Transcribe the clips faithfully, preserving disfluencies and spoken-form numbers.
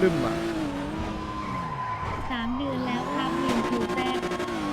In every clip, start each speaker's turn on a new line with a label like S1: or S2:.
S1: บึ้มอ่ะ
S2: สามเดือนแล้วครับเรียนคิวแซด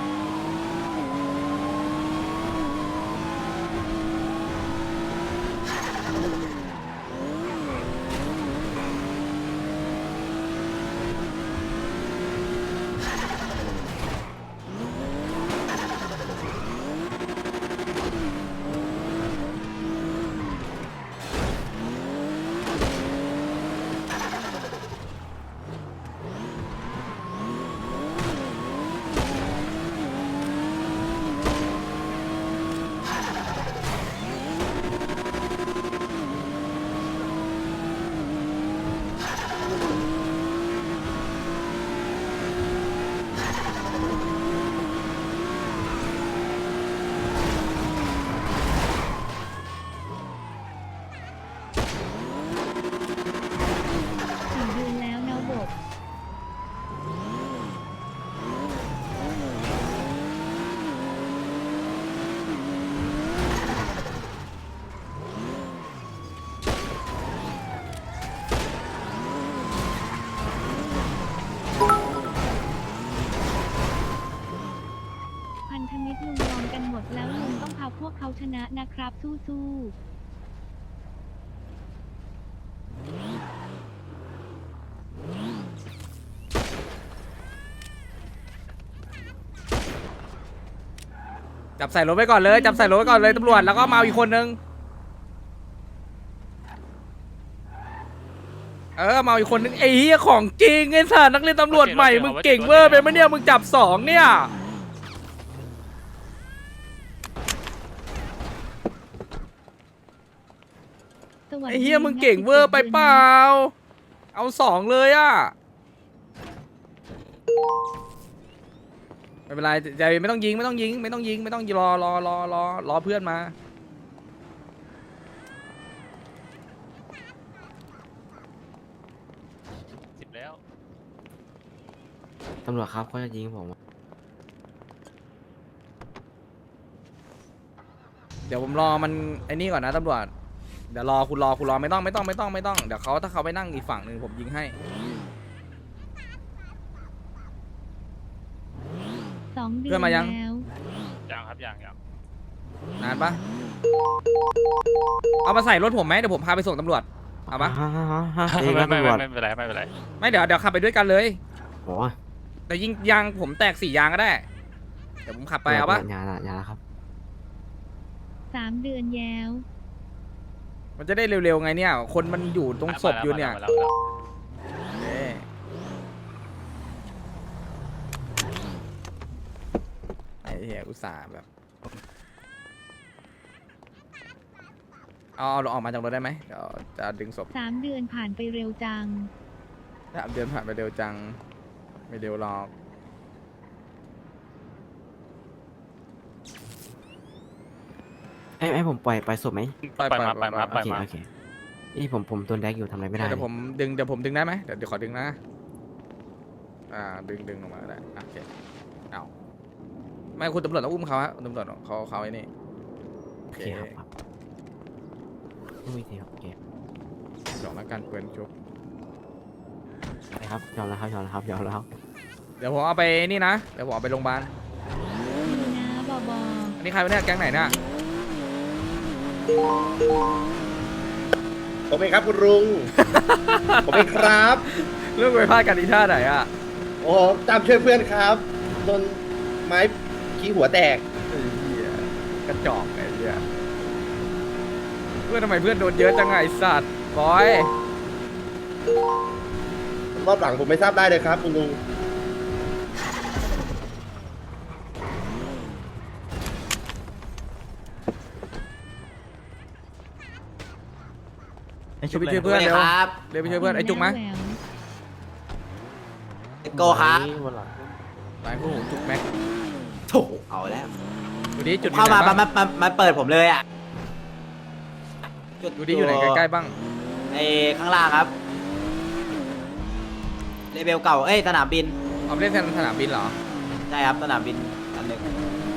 S2: สี่เดือนแล้วนะบบพันธมิตรลุงยอมกันหมดแล้วลุงต้องพาพวกเขาชนะนะครับ สู้ๆ
S1: จับใส่รถไว้ก่อนเลยจับใส่รถไว้ก่อนเลยตำรวจแล้วก็มาอีกคนนึงเออมาอีกคนนึงไอ้เหี้ยของจริงไอ้สัสนักเรียนตำรวจใหม่มึงเก่งเวอร์ไปไหมเนี่ยมึงจับสองเนี่ยไอ้เหี้ยมึงเก่งเวอร์ไปเปล่าเอาสองเลยอ่ะไม่เป็นไรใจไม่ต้องยิงไม่ต้องยิงไม่ต้องยิงไม่ต้องรอรอรอรอรอเพื่อนมา
S3: สิบแล้ว
S4: ตำรวจครับเขาจะยิงผม
S1: เดี๋ยวผมรอมันไอ้นี่ก่อนนะตำรวจเดี๋ยวรอคุณรอคุณรอไม่ต้องไม่ต้องไม่ต้องไม่ต้องเดี๋ยวเขาถ้าเขาไปนั่งอีกฝั่งหนึ่งผมยิงให้
S2: สองเดือน
S1: เพื่อนมายัง
S2: แล้ว
S3: ยังครับยังยัง
S1: นานปะเอามาใส่รถผมไหมเดี๋ยวผมพาไปส่งตำรวจเอาปะ
S4: เอง
S3: ไม่
S4: นะ
S3: ไม่
S4: ตำรวจ
S3: ไม่เป็นไรไม่เป็นไร
S1: ไม่เดี๋ยวเดี๋ยวขับไปด้วยกันเลย
S4: โอ้
S1: แต่ยิงยางผมแตกสี่ยางก็ได้เดี๋ยวผมขับไปเอาปะ
S4: อย่าละอย่าละครับ
S2: สามเดือนแล้ว
S1: มันจะได้เร็วๆไงเนี่ย คนมันอยู่ตรงศพอยู่เนี่ย
S3: มาแล้วมาแล้ว
S1: เอ๊ะไอ้เหี้ยอุตส่าห์แบบเอาเอาออกมาจากรถได้ไหมเดี๋ยวจะดึงศพ
S2: สามเดือนผ่านไปเร็วจัง
S1: สามเดือนผ่านไปเร็วจังไม่เร็วหรอก
S4: ไอ้ไอ้ผมปล่อยปล่อยศพไหม
S1: ปล่อย
S3: ปล่อยมา
S1: ป
S3: ป
S1: ล่
S3: ล่
S1: อ
S3: อย ยมา
S1: ป
S3: ป
S1: ล่
S3: ล่
S1: อ
S3: อย ยมา
S4: โอเคนี่ผมผมตัวแดกอยู่ทำอะไรไม่ได้
S1: เดี๋ยวผมดึงเดี๋ยวผมดึงได้ไหมเดี๋ยวเดี๋ยวขอดึงนะอ่าดึงดึงลงมาได้โอเคเอาไม่คุณตำรวจต้องอุ้มเขาฮะคุณตำรวจเขาเขาไอ้นี่
S4: โอเคครับครับไม่มีทีครับโอเค
S1: ดอกนักการปืนชุบ
S4: ไปครับยอมแล้วครับยอมแล้วครับยอมแล้วครับ
S1: เดี๋ยวผมเอาไปนี่นะเดี๋ยวผมเอาไปโรงพยาบาล
S2: ดีนะบอบอ
S1: อันนี้ใครวะเนี่ยแก๊งไหนเนี่ย
S5: ผมเองครับคุณลุง ผมเองครับ
S1: เรื่องไปพลาดกันอีท่าไหนอ่ะ
S5: โอ้ตามช่วยเพื่อนครับโดนไม้ขี้หัวแตก
S1: ไอ้เหี้ยกระจอกไอ้เหี้ยเพื่อนทำไมเพื่อนโดนเยอะจังไงไอ้สัตว์บอย
S5: รอบหลังผมไม่ทราบได้เลยครับคุณลุง
S1: ช่วยไปช่วยเพื่อนเร็วเร็วไปช่วยเพื่อนไอ้จุกมั้ย
S2: แหวว
S6: โกครับ
S1: ไปพวกผมจุกแม็ก
S6: ถูกเอาแล้ว
S1: ดูดิจุดอยู่
S6: เข้า
S1: ไหน
S6: มา
S1: บ้าง
S6: มามามาเปิดผมเลยอ่ะจุ
S1: ดูดิอยู่ไหนใกล้ๆบ้าง
S6: ไอ้ข้างล่างครับเลเวลเก่าเอ้ยสนามบิน
S1: เอาไปเล่นแทนสนามบินเหรอ
S6: ใช่ครับสนามบินอันหนึ่ง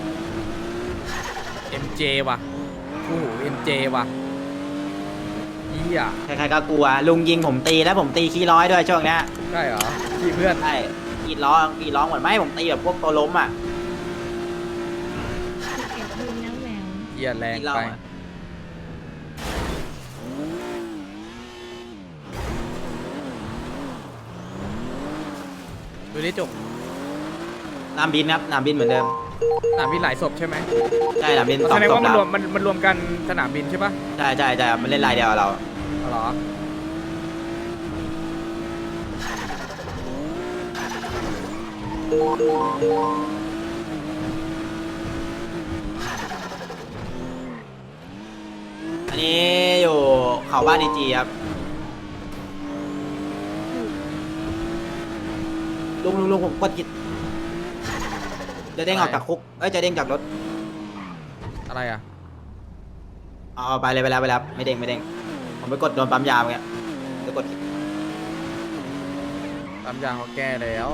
S1: เอ็ม เจ ว่ะโอ้โห เอ็ม เจ ว่ะเหี้ย
S6: ใครๆก็กลัวลุงยิงผมตีแล้วผมตีขี้ร้อยด้วยช่วงเนี้ย
S1: ใช่เหรอพี่เพื่อน
S6: ใช่กรีดร้องกรีดร้องเหมือนไม่ผมตีแบบพวกตัวล้มอ่ะ
S2: สิบเอ็ดเดือนแล้วแหวว
S1: เหี้ยแรง
S6: กรีดร้อ
S1: ไป
S6: งอะ
S1: ดูดิจุก
S6: นามบินครับนามบินเหมือนเดิม
S1: สนามบินหลายศพใช่ไหม
S6: ใช่นามบินส
S1: แส
S6: อง
S1: ดง
S6: ศพ
S1: ว่ามัน
S6: แล้
S1: ร
S6: ว
S1: วมมันมันรวมกันสนามบินใช่ปะ
S6: ใช่ใช่ใช่ครับมันเล่นลายเดียวกับเรา
S1: อ๋อเหรอ
S6: อันนี้อยู่เขาบ้านดีจีครับลุงลุงลุงผมกดกิดจะเด้งออกจากคุกเอ้ยจะเด้งจากรถ
S1: อะไรอ่ะ
S6: เอาเอาไปเลยไปแล้วไปแล้วไม่เด้งไม่เด้งผมไปกดโดนปั๊มยาเมื่อกี้จะกด
S1: ตามยางเขาแก้แล้ว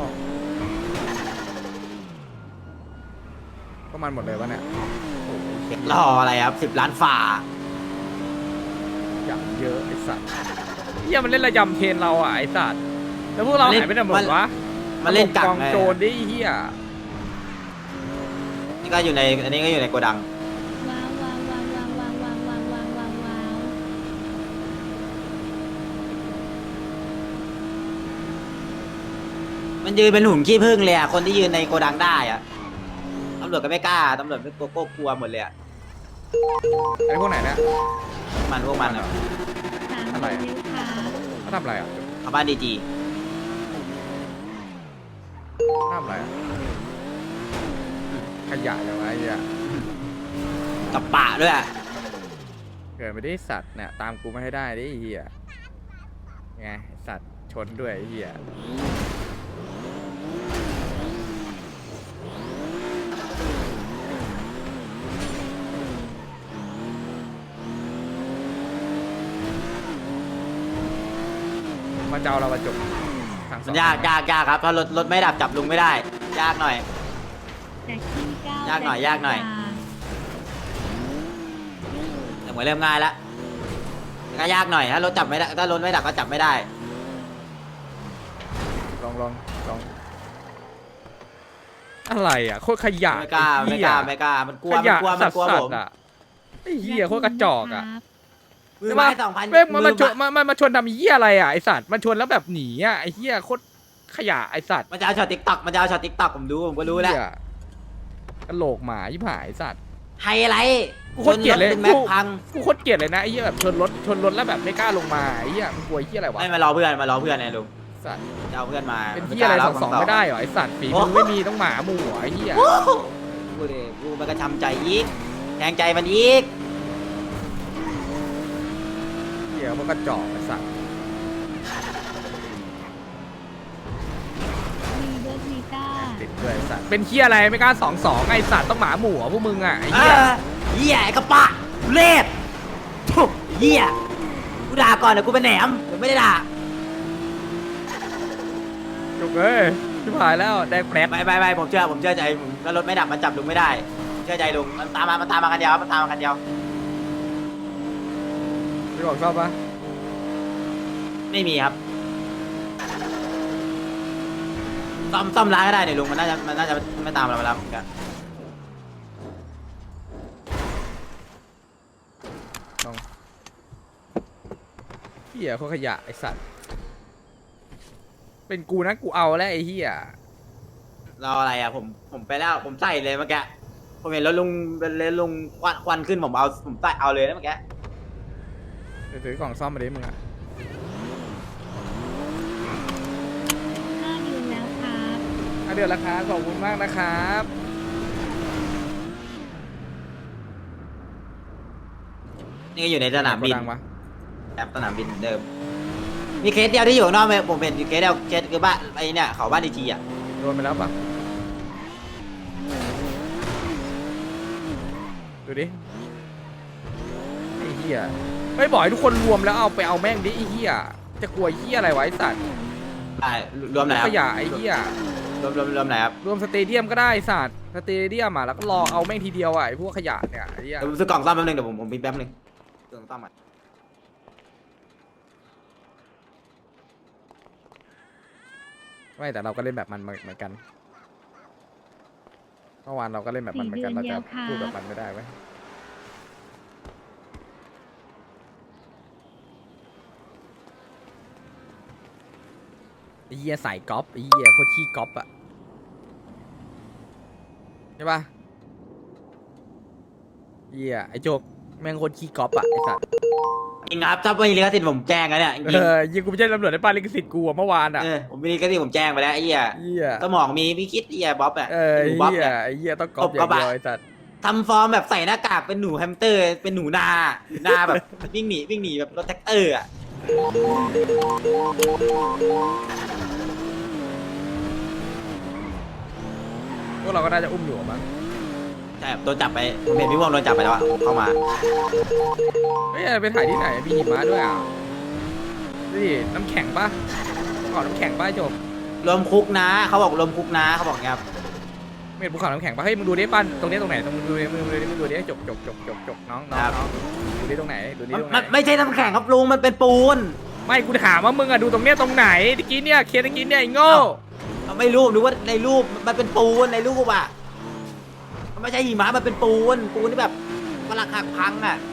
S1: ก็มันหมดเลยวะเนี่ย
S6: รออะไรครับสิบล้านฝ่า
S1: อย่างเยอะไอ้สัตว์เหี้ยมันเล่นระยำเทรนเราอ่ะไอ้สัตว์แล้วพวกเราหายไปไหนหมดวะ
S6: มันเล่นกัก
S1: กอง
S6: ไง
S1: โจรดิเหี้ย
S6: นี่ก็อยู่ในอันนี้ก็อยู่ในโกดัง
S2: ว้าวว้าวว้าวว้าวว้าวว้าวว้าวว้าวว้าวว้าว
S6: มันยืนเป็นหุ่นขี้ผึ้งเลยอ่ะคนที่ยืนในโกดังได้อ่ะตำรวจก็ไม่กล้าตำรวจไม่กลัวก็กลัวหมดเลยอ่ะ
S1: ไอ้พวกไหนเนี่ย
S6: มันพวกมันอ่ะ
S2: สาม
S1: อะไร
S2: เดือนแล้วค่ะ
S1: เขาทำอะไรอ่ะ
S6: เขาบ้านดีจี
S1: ทำอะไรอ่ะขยะเลยวะไอ้เหี้ย
S6: กับปะด้วยอ่ะ
S1: เกิดไม่ได้สัตว์เนี่ยตามกูไม่ให้ได้ดิไอ้เหี้ยไงสัตว์ชนด้วยไอ้เหี้ยมาเจ้าเราประจบทางส
S6: มั
S1: อน ง
S6: ยากยากยากครับถ้ารถรถไม่ดับจับลุงไม่ได้ ยากหน่อย
S2: แต่ขี้เก้าย
S6: ากหน่อยยากหน่อย แต่เหมือนเริ่มง่ายแล้วแต่ก็ยากหน่อยถ้ารถจับไม่ได้ถ้ารถไม่ดับก็จับไม่ได้
S1: ลองลองลองอะไรอ่ะโคตรขยะ
S6: ไม่กล้า
S1: อ้
S6: ไม่
S1: เหี้
S6: ก
S1: ย
S6: ล้าไม่กล้ามันกลัว
S1: ข
S6: มัน
S1: ยะ
S6: กลัวมันกลัว
S1: สั
S6: ผ
S1: ต
S6: ม
S1: ว์อ่ะไอ้เหี้ยโคตรกระจอกอ่ะ
S2: ครับ
S6: มือไม้สองพัน
S1: แม่งมัน
S6: มื
S1: มา
S6: อ
S1: ชน
S6: ไม้
S1: มันมันมาชนทำเหี้ยอะไรอ่ะไอสัตว์มันชนแล้วแบบหนีอ่ะไอเหี้ยโคตรขยะไอสัตว์
S6: มันจะเอาช็อตติ๊กต็อกมันจะเอาช็อตติ๊กต็อกผมดูผมก็รู้แล้ว
S1: เหี้ยกระโหลกหมายิ่หายไอ้สัตว์
S6: ไฮไลท์
S1: กูโคตรเกลียดเลย
S6: ชนรถเป็นแม็กพัง
S1: กูโคตรเกลียดเลยนะไอ้เหี้ยแบบชนรถชนรถแล้วแบบไม่กล้าลงมาไอ้เหี้ยมันกลัวไอ้เหี้ยอะไรวะ
S6: ไม่มารอเพื่อนมารอเพื่อนไงลุง
S1: สัตว์
S6: จะเอาเพื่อนมา
S1: เป็นเหี้ยอะไรสองสองไม่ได้เหรอไอสัตว์ฝีมือไม่มีต้องหมาหมู่เหรอไอ้เหี้ย
S6: โอ้โหกูดิกูมันกระชำใจอีกแทงใจมันอีก
S1: เหี้ยมันกระจอกไอสัตว์
S2: มีเบิร์ดวีต้า
S1: ติดด้วยไอ้สัตว์เป็นเหี้ยอะไรไม่กล้าสองสองไอสัตว์ต้องหมาหมู่เหรอพวกมึงอ่ะไอ้
S6: เอ
S1: เหี้ย
S6: อเหี้ยไอ้กระปะทุเล่ทุเหี้ยกูด่าก่อนเดี๋ยวกูเป็นแหนมเดี๋ยวไม่ได้ด่า
S1: จุกเอ้ยชิบหายแล้วแดงแปรด
S6: ไม่ไม่ไม่ผมเชื่อผมเชื่อใจผมถ้ารถไม่ดับมันจับลุงไม่ได้ เชื่อใจลุงมันตามมามันตามมากันเดียวมันตามมากันเดียว
S1: พี่บอกชอบปะ
S6: ไม่มีครับซ่อมซ่อมร้านก็ได้เนี่ยลุงมันน่าจะมันน่าจะไม่ตามเราไปแล้วเหมือนกัน
S1: น้องเหี้ยโคตรขยะไอสัตว์เป็นกูนะกูเอาแล้วไอ้เหี้ย
S6: รออะไรอ่ะผมผมไปแล้วผมใส่เลยเมื่อกี้ผมเห็นรถลุงเป็นรถลุงควันควันขึ้นผมเอาผมใส่เอาเลยนะเมื่อกี้
S1: เดี๋ยวถือกล่องซ่อมมาดิมึงอ่ะ
S2: ห้าเดือนแล้วครับ
S1: อ่ะเดี๋ยวราคาขอบคุณมากนะครับ
S6: นี่ก็อยู่ในสนามบิน
S1: โกดังวะ
S6: แอปสนามบินเหมือนเดิมมีเคสเดียวที่อยู่ข้างนอกไหมผมเป็นเคสเดียวเคสคือบ้านไอ้เนี่ยเขาบ้านดีจีอ่ะ
S1: โดนไปแล้วปะดูดิไอ้เหี้ยไม่บอกให้ทุกคนรวมแล้วเอาไปเอาแม่งดิไอ้เหี้ยจะกลัวเหี้ยอะไรวะไอ้สัตว์
S6: ได้รวมไหนค
S1: ข
S6: รับ
S1: ยะไอ้เหี้ย
S6: รวมรวมรวมไหนครับ
S1: รวมสเตเดียมก็ได้ไอ้สัตว์สเตเดียมอ่ะแล้วก็รอเอาแม่งทีเดียวอ่ะไอ้พวกขยะเนี่ยไอ้เหี้ย
S6: เดี๋ยวผมซื้อกล่องซ่อมแป๊บนึงเดี๋ยวผมผมพิมพ์แป๊บนึงซื้อกล่องซ่อมอ่ะ
S1: ไม่แต่เราก็เล่นแบบมันเหมือนกันเมื่อวานเราก็เล่นแบบมันเหมือนกันเราจะพูดแบบมันไม่ได้ไหมไอ้เหี้ยสายก๊อปไอ้เหี้ยโคตรขี้ก๊อปอะใช่ปะเหี้ยไอ้โจกแม่งโคตรขี้ก๊อปอะไอ้สัตว์
S6: จริงครับถ้าไม่มีลิขสิทธิ์ผมแจ้งแล้วเนี่ยจริง
S1: เออยิงกูไม่ใช่ตำรวจในป้านลิขสิทธิ์กูอะเมื่อวานอะ
S6: เออผมมีลิขสิทธิ์ผมแจ้งไปแล้วไอ้เหี้ย
S1: เหี้ย
S6: สมองมีพี่คิดไอ้เหี้ยบ๊อบอ่ะ
S1: เออ
S6: หนูบ๊อบ
S1: เหี้ย
S6: เนี่ย
S1: ไอ้เหี้ยต้องก๊อปอย่างเดียวไอ้สัตว์
S6: ทำฟอร์มแบบใส่หน้ากากเป็นหนูแฮมสเตอร์ เป็นหนูนาหนูนาแบบ วิ่งหนีวิ่งหนีแบบรถแท็กเตอร์อ่ะ
S1: พวกเราก็น่าจะอุ้มอยู่มั้ง
S6: ใช่ครับโดนจับไปผมเห็นพี่วงโดนจับไปแล้วอะเข้ามา
S1: เฮ้ยไปถ่ายที่ไหนมีหิมะด้วยอ่ะดูดิน้ำแข็งปะภูเขาน้ำแข็งปะไอ้โจก
S6: รวมคุกนะเขาบอกรวมคุกนะเขาบอกอย่างเงี้ยครับ
S1: ไม่เห็นภูเขาน้ำแข็งปะเฮ้ยมึงดูดิปั้นตรงนี้ตรงไหนตรงมึงดูดิมึงดูดิมึงดูดิจกจกจกจกจกน้องน้องน้องดูดิตรงไหนดูดิ
S6: มัน
S1: ตรงไหน
S6: มันไม่ใช่น้ำแข็งครับลุงมันเป็นปูน
S1: ไม่กูถามว่ามึงอะดูตรงเนี้ยตรงไหนตะกี้เนี่ยเคสตะกี้เนี่ยไอ้โง่
S6: เราไม่รู้หรือว่าในรูปมันเป็นปูนในรูปอ่ะมันไม่ใช่หิมะมันเป็นปูนปูนที่แบบกำลังหักพังอ่ะ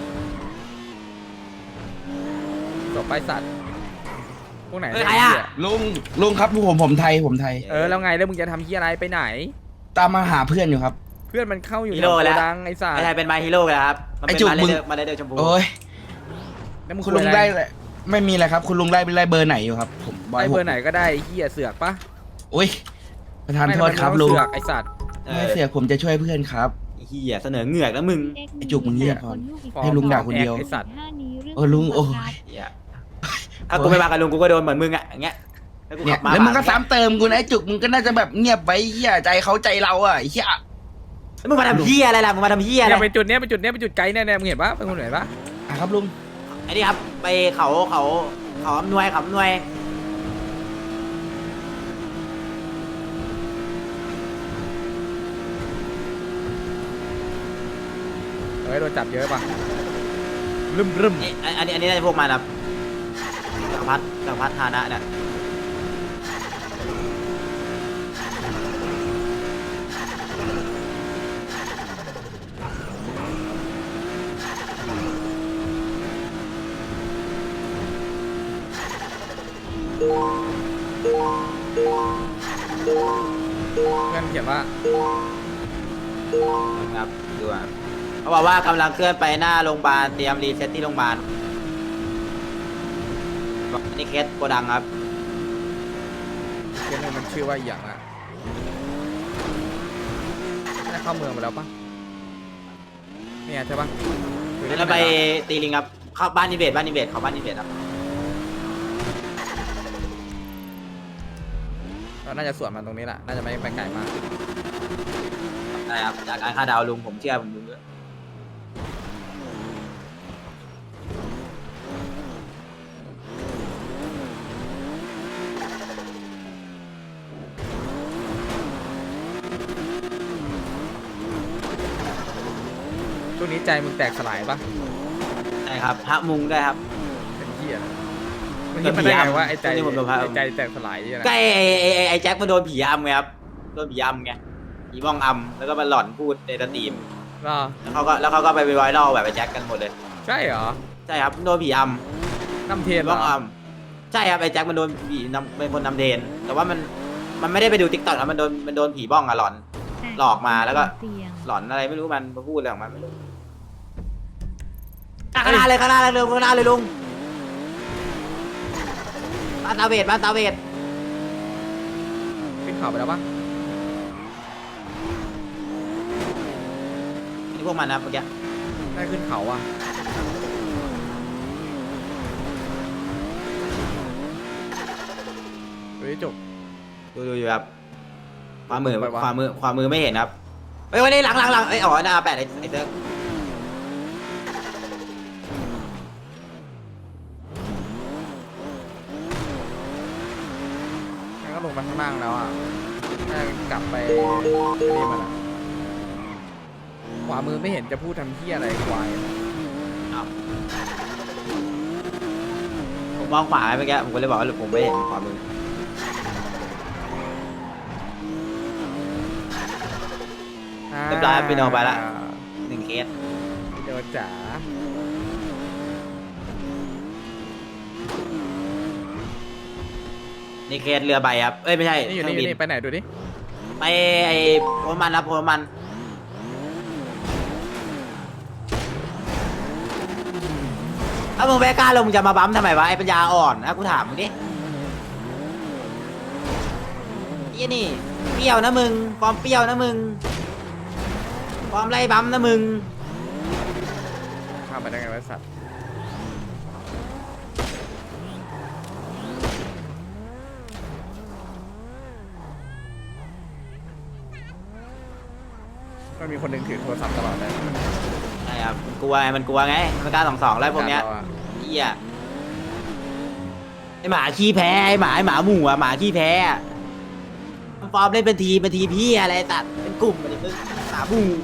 S1: จบไปสัตว์พวกไหน
S6: เฮ้ย
S1: เนี่ย
S6: ใครอะ
S1: เหี้ย
S7: ลุงลุงครับผมผมไทยผมไทย
S1: เออแล้วไงแล้วมึงจะทำที่อะไรไปไหน
S7: ตามมาหาเพื่อนอยู่ครับ
S1: เพื่อนมันเข้าอยู่
S6: ฮี
S1: ใน
S6: โร่
S1: โก
S6: แล้ว
S1: ดังไอ้สัต
S6: ไอ้
S1: ว์
S6: ไทยเป็นมาฮีโร่แล้วครับมัน
S7: ไอ้
S6: เป็น
S7: จุก
S6: มาเล
S7: มึง
S6: เดอร์มาเลเดอร์ชมพู
S7: โอ้ย
S1: แล้วมึง
S7: คุณ
S1: คุ
S7: ลุ
S1: ย
S7: ง
S1: อะไร
S7: ได้ไม่มีอะไรครับ คุณลุงไล่ไล่เบอร์ไหนอยู่ครับ ผม
S1: ไอ้เบอร์ไหนก็ได้ไอ้เหี้ยเสือกปะ
S7: โอ้ยประธาน
S1: ไม่
S7: โทษครับ
S1: มัน
S7: ลุง
S1: เสือกไอ้สัตว์
S6: เอ
S7: ไม่
S6: อ
S7: เสียผมจะช่วยเพื่อนครับ
S6: ไอ้เฮียเสนอเหงือกแล้วมึง
S7: ไอ้จุกมึงเงียบก่อน
S1: ฟอร์ม
S7: ให้ลุงด่าคนเดียว
S1: ไอ้สัตว์
S7: เออลุงโอ้ย
S6: เหี้ยถ้ากูไม่มากับลุงกูก็โดนเหมือนมึงอ่ะอย่างเงี้ยแล้วกู
S7: เนี่
S6: ขั
S7: ย
S6: บมา
S7: แล้วมึงก็ซ้ำเติมกูนะไอ้จุกมึงก็น่าจะแบบเงียบไว้เหี้ยใจเขาใจเราอ่ะไอ้เหี้ย
S6: แล้วมึงมาทำเฮียอะไรล่ะมึงมาทำเฮียอะไร
S1: เนี่ยไปจุดเนี้ยไปจุดเนี้ยไปจุดไกลเนี่ยเนี่ยมึงเห็นปะเป็นคนไหนปะ
S7: อ่ะครับลุง
S6: ไอ้นี่ครับไปเขาเขาเขาอำนวยเขาอำนวย
S1: เฮ้ยโดนจับเยอะปะรึมรึม
S6: นี่อันนี้อันนี้น่าจะพวกมันครับจักรพัฒจักรพัฒฐานะเนี่ย
S1: เพื่อนเขียนว่า
S6: ครับดูอ่ะเขาบอกว่ากำลังเคลื่อนไปหน้าโรงพยาบาลเตรียมรีเซ็ตที่โรงพยาบาลอันนี้เคสโกดังครับ
S1: เขียนหนึ่งมันชื่อว่าอหย่างอ่ะน่าเข้าเมืองไปแล้วปะเนี่ยใช่ปะหรือ
S6: แล้วไปตีลิงครับเข้าบ้านนิเบศบ้านนิเบศเขาบ้านนิเบศครับ
S1: เราน่าจะสวนมันตรงนี้แหละน่าจะไม่ไปไกลมาก
S6: ได้ครับจากการคาดเดาวลุงผมเชื่อผมลุงด้วย
S1: ช่วงนี้ใจมึงแตกสลายปะ
S6: ใช่ครับพระมุงด้วยครับ
S1: เป็นเหี้ยมึงคิดมาได้ไงว่าไอ้ใจ
S6: ช่วงนี้ผมโดนพา
S1: ไอ้ใจแตกสลายเนี่ยนะ
S6: ก็ไอ้ไอ้ไอ้ไอ้แจ็คมันโดนผีอำไงครับโดนผีอำไงผีบ้องอำแล้วก็มาหลอนพูดในสตรีม
S1: รอ
S6: แล้วเขาก็แล้วเขาก็ไปไวรัลแบบไอ้แจ็คกันหมดเลย
S1: ใช่เหรอ
S6: ใช่ครับโดนผีอ
S1: น้ำเท
S6: ำ
S1: นเหร
S6: บ้อง
S1: อ
S6: อำใช่ครับไอ้แจ็คมันโดนผีนำเป็นคนนำเทรนแต่ว่ามันมันไม่ได้ไปดูติ๊กต็อกนะมันโดนมันโดนผีบ้องอะหลอน หลอกมาแล้วก็
S2: เสี่ยง
S6: หลอนอะไรไม่รู้มันมาพูดอะไรของมันไม่รู้อ่ะข้างหน้าเลยข้างหน้าเลยเร็วข้างหน้าเลยลุงบ้านตาเวทบ้านตาเวท
S1: ขึ้นเขาไปแล้วปะ
S6: นี่พวกมันนะเมื่อกี้
S1: ได้ขึ้นเขาอ่ะเฮ้ยจบ
S6: ดูดูอยู่ครับความมือ
S1: ไปวะ
S6: ความมือความมือไม่เห็นครับเฮ้ยวันนี้หลังหลังหลังเอ้ยอ๋อหน้าแปดไอ้ไอ้เซิร์ฟ
S1: งั้นก็ลงไปข้างล่างแล้วอ่ะน่าจะกลับไปนี่มันอ่ะขวามือไม่เห็นจะพูดทำที่อะไรควาย
S6: ผมมองขวาเมื่อกี้ผมก็เลยบอกว่าผมไม่เห็นความมือเรียบร้อยพี่โนไปละหนึ่งเคส
S1: พี่โนจ๋า
S6: นี่เคสเรือใบครับเอ้ยไม่ใช่
S1: นี่อยู่
S6: เครื่
S1: นี่
S6: อง
S1: อยู่
S6: บิน
S1: นี่ไปไหนดูดิ
S6: ไปไอ้โพมันครับโพมันถ้ามึงไม่กล้าลงมึงจะมาบั๊มทำไมวะไอ้ปัญญาอ่อนนะกูถามมึงดิยี่นี่เปรี้ยวนะมึงฟอร์มเปรี้ยวนะมึงฟอร์มไล่บั๊มนะมึง
S1: ข้ามไปได้ไงวะสัตว์มันมีคนหนึ่งถือโทรศัพท์ตลอดเลย
S6: ใช่ครับมันกลัวไงมันกลัวไงมันกล้าสองสองแล้วพวกเนี้ย
S1: ราอะ
S6: เหี้ยไอหมาขี้แพ้ไอหมาไอหมาหมู่อะหมาขี้แพ้อะมันฟอร์มเล่นเป็นทีมเป็นทีมพี่อะไรตัดเป็นกลุ่มอะไรเป็นหมาหมู่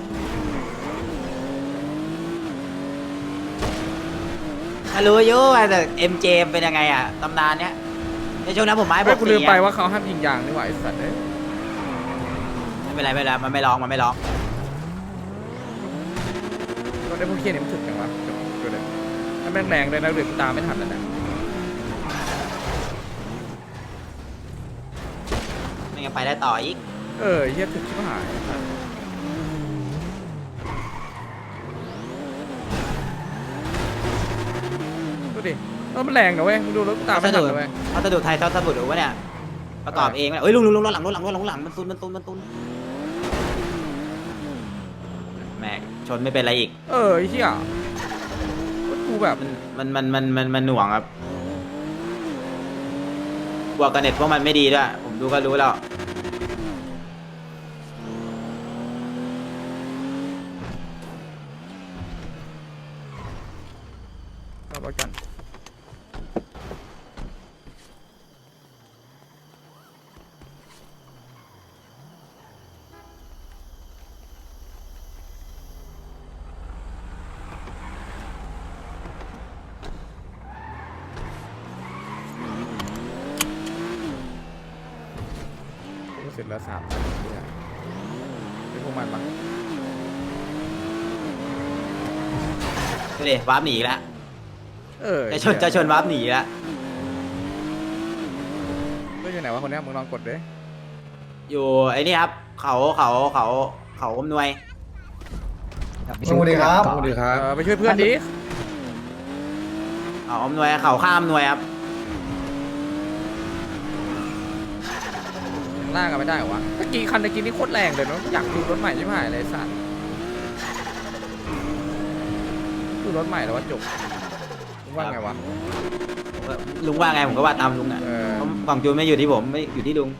S6: ถ้ารู้อยุ่แต่เอ็มเจเป็นยังไงอะตำนานเนี้ยในช่วงนั้นผมไม้บ
S1: เฮ้
S6: อย ก
S1: กู
S6: สี
S1: ลืมไป
S6: อะ
S1: ว่าเขาห้ามยิงยางนี่หว่าไอ้สัตว์เอ้ย
S6: ไม่เป็นไรไม่เป็นไรมันไม่ร้องมันไม่ร้อง
S1: รถได้พวกเคียนี่มันถึกจังวะดูเลยถ้าแม่งแรงเลยนะเดือดกูตามไม่ทันแล้วนะ
S6: ไม่งั้นไปได้ต่ออีก
S1: เออเฮียถึกชิบหายดูดิเออมันแรงนะเว้ยมึงดูรถกูตามไม่ทันเลยเว้ย
S6: เขาจะดูไทยเขาจะบุดหรือวะเนี่ยประกอบเองเอ้ยลุงลุงลุงรถหลังรถหลังรถหลังรถหลังมันตุนมันตุนมันตุนแม่งชนไม่เป็นไรอีก
S1: เออไอ้เฮียรถกูแบบ
S6: มันมันมันมันมันมันหน่วงครับบวกกันเน็ตพวกมันไม่ดีด้วยผมดูก็รู้แล้ว
S1: รอบกันกูเสร็จแล้วสามนาทีอะเป็นพวกมันปะ
S6: ดูดิวาร์ปหนีอีกแล้ว
S1: เออ
S6: จะชนจะชนวาร์ปหนีอีกแล้ว
S1: เรื่องอยู่ไหนวะคนเนี้ยมึงลองกดดิ
S6: อยู่ไอ้นี่ครับเขาเขาเขาเขาอำนวย
S5: สวัสดีครับ
S1: เออไปช่วยเพื่อนดิ
S6: เขาอำนวยเขาข้ามอำนวยครับ
S1: ล่างกันไม่ได้เหรอวะตะกี้คันตะกี้นี่โคตรแรงเลยเนาะอยากดูรถใหม่ใช่ไหมอะไรสัตว์ดูรถใหม่แล้วว่าจบมึงว่าไงวะ
S6: ลุงว่าไงผมก็ว่าตามลุงอ่ะ
S1: เออ
S6: เพราะกล่องจูนไม่อยู่ที่ผมไม่อยู่ที่ลุง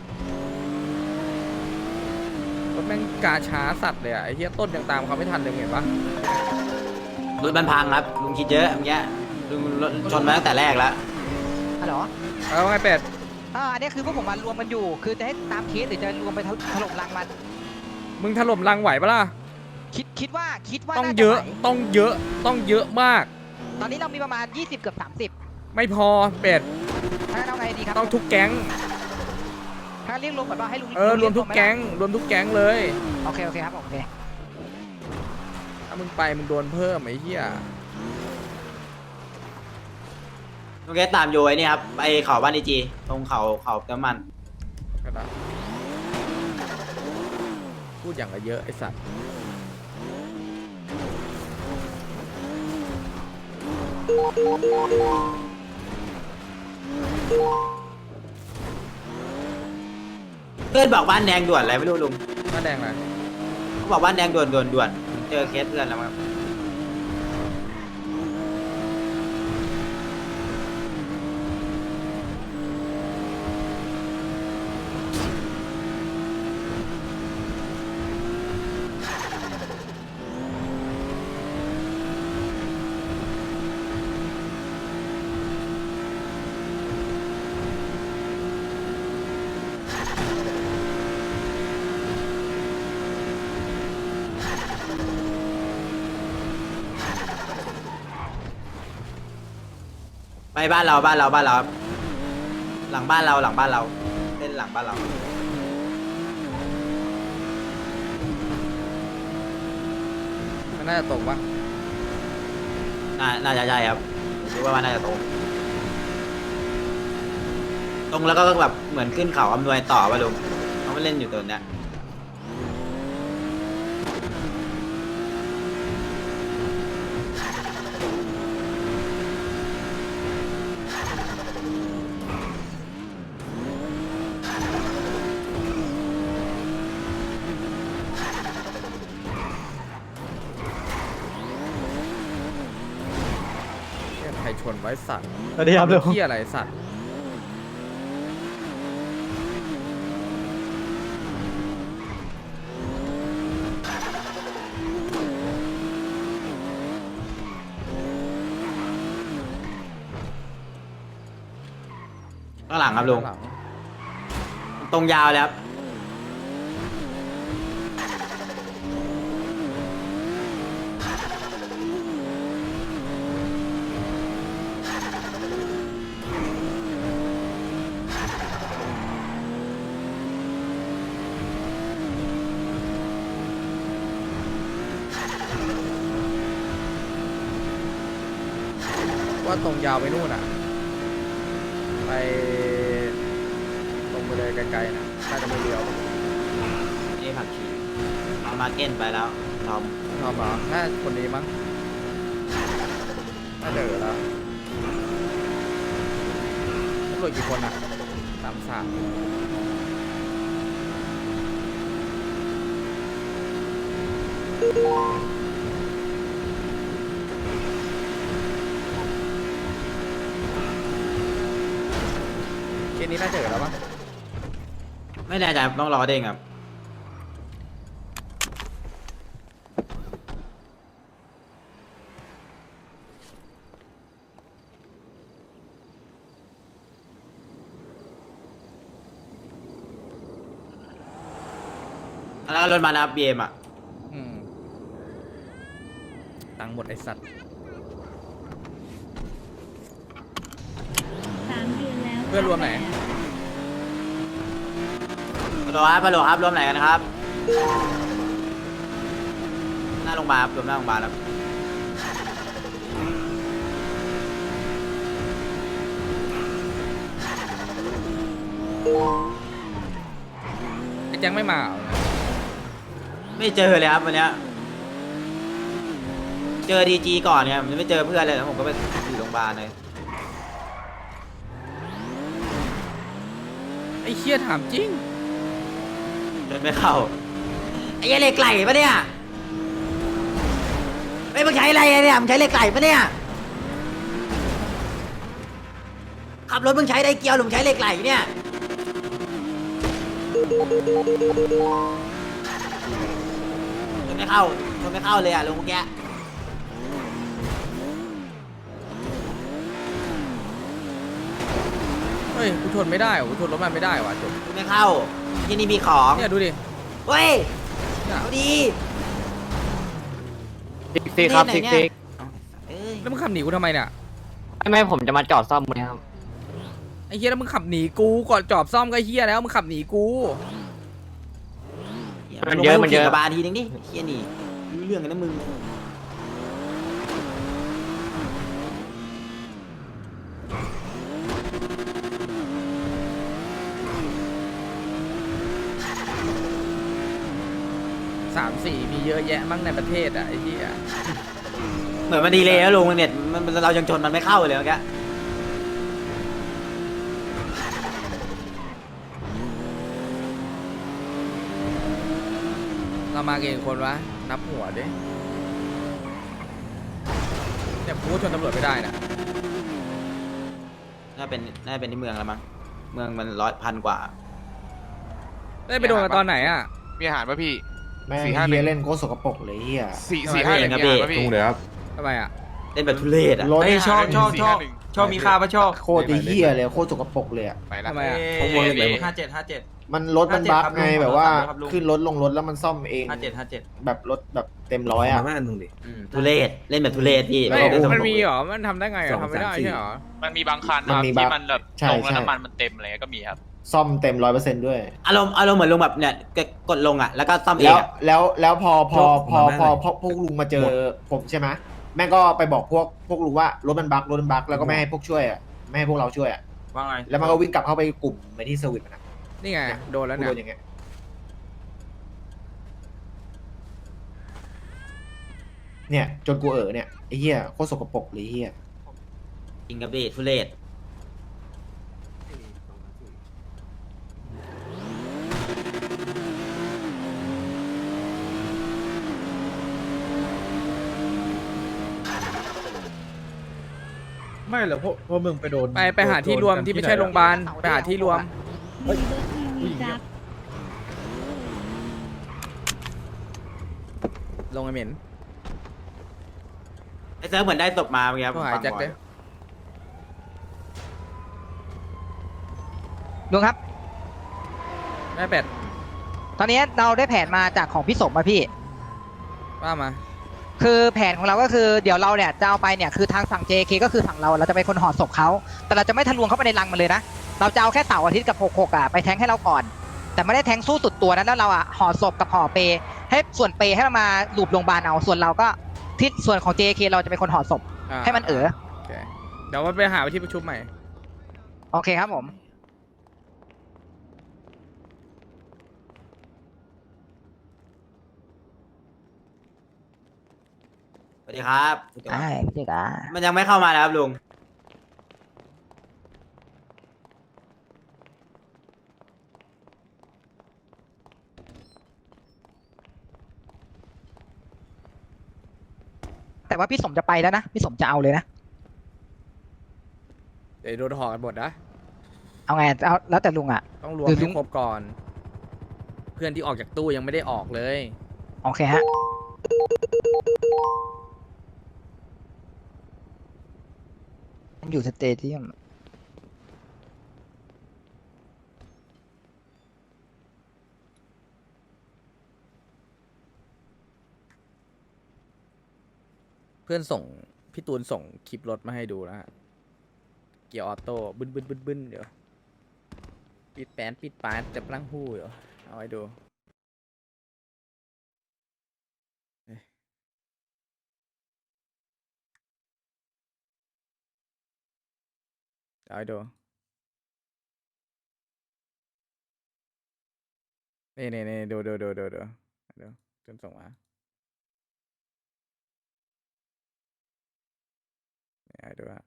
S1: รถแม่งกาช้าสัตว์เลยอะไอ้เหี้ยต้นยังตามเขาไม่ทันเลยเห็นปะ
S6: รถมันพังครับลุงคิดเยอะเมื่อกี้ลุงรถชนมาตั้งแต่แรกแล้ว
S8: ฮัลโหล
S1: เออว่าไงเป็ด
S8: อ่าอันนี้คือพวกผมมารวมกันอยู่ คือจะให้ตามเคสหรือจะรวมไปถล่มรังมัน
S1: มึงถล่มรังไหวปะล่ะ
S8: คิดคิดว่าคิดว่า
S1: ต้อง
S8: น่าจ
S1: เยอะ
S8: ไหว
S1: ต้องเยอะต้องเยอะมาก
S8: ตอนนี้เรามีประมาณ ยี่สิบ เกือบ สามสิบ
S1: ไม่พอเป็ด
S8: ถ้าเอาไงดีครับ
S1: ต้องทุกแก๊ง
S8: ถ้าเรียกรวมก่อนว่าให้ลุง
S1: เออรวมทุกแก๊งรวมทุกแก๊งเลย
S8: โอเคโอเคครับผมโอเค
S1: ถ้ามึงไปมึงโดนเพิ่มไอ้เหี้ย
S6: ลุงแกตามโยไอ้นี่ครับไปเขาบ้านดีจีตรงเขาเขาน้ำมัน
S1: ก็ได้พูดอย่างละเยอะไอ้สัตว์
S6: เพื่อนบอกบ้านแดงด่วนอะไรไม่รู้ลุง
S1: หน้าแดงเลย
S6: เขาบอกบ้านแดงด่วนด่วนด่วนเจอเคสเพื่อนแล้วครับไปบ้านเราบ้านเราบ้านเราครับหลังบ้านเราหลังบ้านเราเล่นหลังบ้านเรา
S1: มันน่าจะตรงปะ
S6: น่าน่าจะใช่ครับคิดว่ามันน่าจะตรง ตรงแล้วก็แบบเหมือนขึ้นเขาอำนวยต่อป่ะลุงเขาไม่เล่นอยู่ตัวเนี้ย
S1: เนี่ยใครชนไว้สัตว์
S4: สวัสดีครับลุง
S1: ที่อะไรสัตว์
S6: ข้างหลังครับลุง
S1: ข้างหลัง
S6: ตรงยาวเลยครับ
S1: ว่าตรงยาวไปนู่นอ่ะ ไปตรงไปเลยไกลๆนะน่าจะไม่เลี้ยว
S6: นี่ผักชีเอามาเก้นไปแล้วทอม
S1: ชอบเหรอน่าคนนี้มั้งน่าเดือแล้วตำรวจกี่คนอ่ะสามสามเคสนี้น่าเจอแล้วปะ
S6: ไม่แน่ใจต้องรอเด้งครับแล้วก็รถมานะครับบีเอ็มอ่ะ
S1: อืมตังค์หมดไอสัตว์
S2: สามเดือนแล้ว
S1: เพื่อนรวมไหน
S6: ฮัลโหลครับฮัลโหลครับรวมไหนกันครับ หน้าโรงพยาบาลครับรวมหน้าโรงพยาบาลครับ
S1: ไอ้แจ็คไม่มาเหรอ
S6: ไม่เจอเลยครับวันเนี้ยเจอดีจีก่อนเนี่ยผมไม่เจอเพื่อนเลยแล้วผมก็ไปอยู่โรงพยาบาลเลย
S1: ไอ้เคียถามจริง
S6: เดินไม่เข้าไอ้เหี้ยเหล็กไหลปะเนี่ยไอ้ยมึงใช้อะไรเนี่ยมึงใช้เหล็กไหลปะเนี่ยขับรถมึงใช้ไดเกียวหรือมึงใช้เหล็กไหลเนี่ยชนไม่เข้าชนไม่เข้าเลยอ่ะลุงเมื่อกี้
S1: เฮ้ยกูชนไม่ได้ว่ะกูชนรถมันไม่ได้ว่ะจบ
S6: ชนไม่เข้าที่นี่มีของ
S1: เนี่ยดูดิ
S6: เฮ้ย
S1: เนี่ย
S6: เอาดี
S4: ซิกซิกครับซิกซิก
S6: เอ้ย
S1: แล้วมึงขับหนีกูทำไมเนี่ย
S4: ไม่ไม่ผมจะมาจอดซ่อมเลยครับ
S1: ไอ้เฮียแล้วมึงขับหนีกูก่อนจอบซ่อมก็เฮียแล้วมึงขับหนีกู
S4: มันเยอะมันเยอะ
S6: ลงไปขี่กระบาลทีนึงดิเฮียนี่รู้เรื่องกันนะมึง
S1: สามสี่มีเยอะแยะมั้งในประเทศอ่ะไอ้เฮีย
S6: เหมือนมันดีเลยนะลุงเนี่ยมันมันเรายังชนมันไม่เข้าเลยเมื่อกี้
S1: เรามากี่คนวะนับหัวดิเนี่ยกูชนตำรวจไม่ได้นะ
S6: น่าเป็นน่าเป็นที่เมืองแล้วมั้งเมืองมันร้อยพันกว่า
S1: ได้ไปโดนกันตอนไหนอ่ะ
S9: มีอาหารป่ะพี่
S10: แม่ง
S9: สี่ห้าหนึ่
S10: เฮีย
S9: ง
S10: เล่นโคตรสกปรกเลยเฮีย
S9: สี่
S1: ทำไม
S9: สี่ห้าหนึ่ง
S6: พี่
S9: มีอาหารป่ะพี่
S10: ทุ่งเลยครับ
S1: ทำไมอ่ะ
S6: เล่นแบบทุเรศอ่ะ
S10: รถ
S7: เอ้ยชอบชอบชอบชอบมีค่าปะชอบ
S10: โคตรเฮียเลยโคตรสกปรกเลยอะ
S9: ไปละ
S1: ทำไมอ่ะ
S7: ผมวงเลยห้าเจ็ดห้าเจ็ด
S10: มันรถมัน
S7: ห้าเจ็ด
S10: บั๊ก
S7: ครับ
S10: ไง
S7: ลุง
S10: แบบว่า
S7: ครับลุง
S10: ขึ้นรถลงรถแล้วมันซ่อมเอง
S7: ห้าเจ็ดห้าเจ็ด
S10: แบบรถแบบเต็มร้อยอะ
S6: ทุเรศเล่นแบบทุเรศพี่
S1: ไม่
S6: เล่นแบบ
S1: มันมีเหรอ มันทำได้ไงอะทำไม่ได้ใช่เหรอ
S3: มันมีบางคันนะครับ
S10: มันมี
S3: ที่
S10: บั๊ก
S3: มันแบบ
S10: ใช่
S3: ลงแล้ว
S10: ใช่
S3: น้ำมันมันเต็มอะไรเงี้ยก็มีครับ
S10: ซ่อมเต็มร้อยเปอร์เซ็นต์ด้วย
S6: อารมณ์อารมณ์เหมือนลุงแบบเนี่ยกดลงอ่ะแล้วก็ซ่อมเอ
S10: แล้
S6: ง
S10: ว
S6: อะ
S10: แล้วแล้วพอพอพอ
S4: หมด
S10: พอ
S4: หมด
S10: พอพวกลุงมาเจอผมใช่ไหมแม่งก็ไปบอกพวกพวกลุงว่ารถมันบั๊กรถมันบั๊กแล้วก็ไม่ให้พวกช่วยอ่ะไม่ให้พวกเราช่วยอ่ะ
S7: ว่าไง
S10: แล้วมันก็วิ่งกลับเข้าไปกลุ่มไปที่เซอร์วิสมันนะ
S1: นี่ไงโดนแล้ว
S10: กู
S1: เนี่ย
S10: โดนอย่างเงี้ยเนี่ยจนกูเออเนี่ยไอ้เหี้ยโคตรสกปรกเลยไอ้เหี้ย
S6: จริงกับดิทุเรศ
S9: ไม่เหรอพวกพวกมึงไปโดน
S1: ไปไปหาที่รวมที่ไม่ใช่โรงพยาบาลไปหาที่รวม
S2: มีเบิร์ดทีวีจับ
S1: ลงไอเหม็น
S6: ไอ้เซิร์ฟเหมือนได้ศพมาเมื่อกี้ครับ
S1: ก็หายแจ็คเลย
S8: ลุงครับ
S1: แม่เป็ด
S8: ตอนนี้เราได้แผนมาจากของพี่สมมาพี่
S1: ว่ามา
S8: คือแผนของเราก็คือเดี๋ยวเราเนี่ยจะเอาไปเนี่ยคือทางฝั่ง เจ เค ก็คือฝั่งเราเราจะเป็นคนห่อศพเขาแต่เราจะไม่ทะลวงเข้าไปในรังมันเลยนะเราจะเอาแค่เสาร์อาทิตย์กับหกหกอ่ะไปแทงให้เราก่อน แต่ไม่ได้แทงสู้สุดตัวนะแล้วเราอ่ะห่อศพกับห่อเปให้ส่วนเปให้เรามาลูบโรงพยาบาลเอาส่วนเราก็ที่ส่วนของ เจ เค เราจะเป็นคนห่อศพ
S1: อ่า
S8: ให้มันเออ
S1: โอเคเดี๋ยวมันไปหาไปที่ประชุมใหม่
S8: โอเคครับผม
S6: สวัสดีครับ
S8: ใช่พี่เจ๊กา
S6: มันยังไม่เข้ามานะครับลุง
S8: แต่ว่าพี่สมจะไปแล้วนะพี่สมจะเอาเลยนะ
S1: เดี๋ยวโดนห่อกันหมดนะ
S8: เอาไงเอาแล้วแต่ลุงอ่ะ
S1: ต้องรวม
S8: คือลุ
S1: ให้
S8: ง
S1: ครบก่อน เพื่อนที่ออกจากตู้ยังไม่ได้ออกเลย
S8: โอเคฮะมันอยู่สเตเดียม
S1: เพื่อนส่งพี่ตูนส่งคลิปรถมาให้ดูนะฮะเกียร์ออโต้บึ้นบึ้นบึ้นบึ้นเดี๋ยวปิดแปนปิดปานจะปลั้งหู้เดี๋ยวเอาไว้ดูเอ้ยเอาไว้ดูนี่นี่นี่ดูดูดูดูดูดูจนส่งมาเนี่ยให้ดูฮะ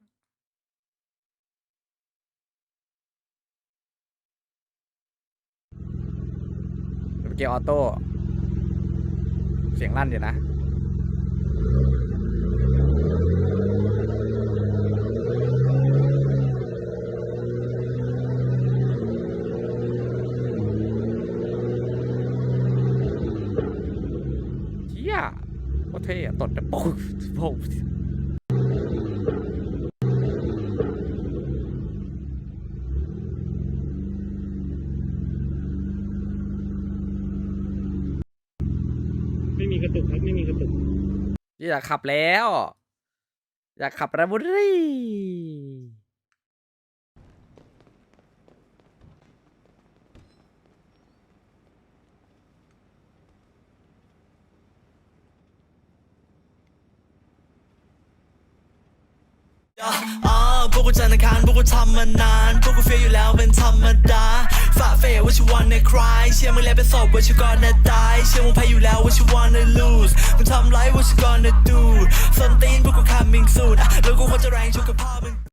S1: เกียร์ออโต้เสียงลั่นอยู่นะเฮียโคตรเท่อะตดแต่ปุ๊บปุ๊บ
S9: ไม่มีกระตุกครับไม่มีกระตุก
S1: อยากขับแล้ว อยากขับราบุรีพวกกูจันทร์อังคารพวกกูทำมานานพวกกูเฟียอยู่แล้วเป็นธรรมดาฝ่าเฟย what you wanna cry เชื่อมึงแล้วเป็นศพ what you gonna die เชื่อมึงแพ้อยู่แล้ว what you wanna lose มึงทำไร what you gonna do ส้นตีนพวกกู coming soon อ่ะแล้วกูควรจะแรงชุกกับพ่อมึง